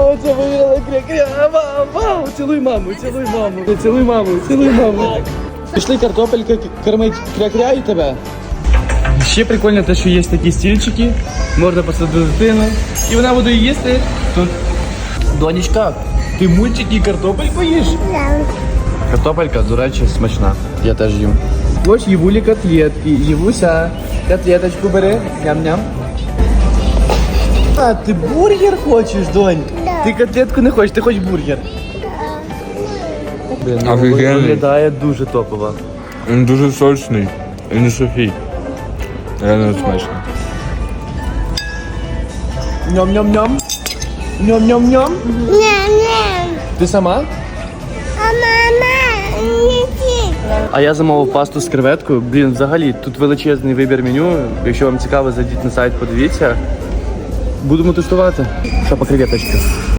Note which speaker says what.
Speaker 1: Оце виграла кря-кря. Вау. Цілуй маму, цілуй маму. Цілуй маму, цілуй маму. Пішли картопелька кормить кря-кря і тебе. Ще прикольно те, що є такі стільчики, можна посадити дитину, і вона буде їсти тут. Донечка, ти мультики і картопельку їш? Картопелька, до речі, смачна. Я теж їм. Ось Євулі котлетки. Євуся, котлеточку бери. Ням-ням. А, ти бургер хочеш, донь?
Speaker 2: Да.
Speaker 1: Ти котлетку не хочеш, ти хочеш бургер. Блін, ну,
Speaker 3: Офігенний.
Speaker 1: виглядає дуже топово.
Speaker 3: Він дуже сочний і не сухий. Реально смачно.
Speaker 1: Ням-ням-ням. Ням-ням-ням.
Speaker 2: Ням-ням.
Speaker 1: Ти сама?
Speaker 2: А мама не ті.
Speaker 1: А я замовив пасту з креветкою. Блін, взагалі, тут величезний вибір меню. Якщо вам цікаво, зайдіть на сайт, подивіться. Будемо тестувати. Що по креветочках?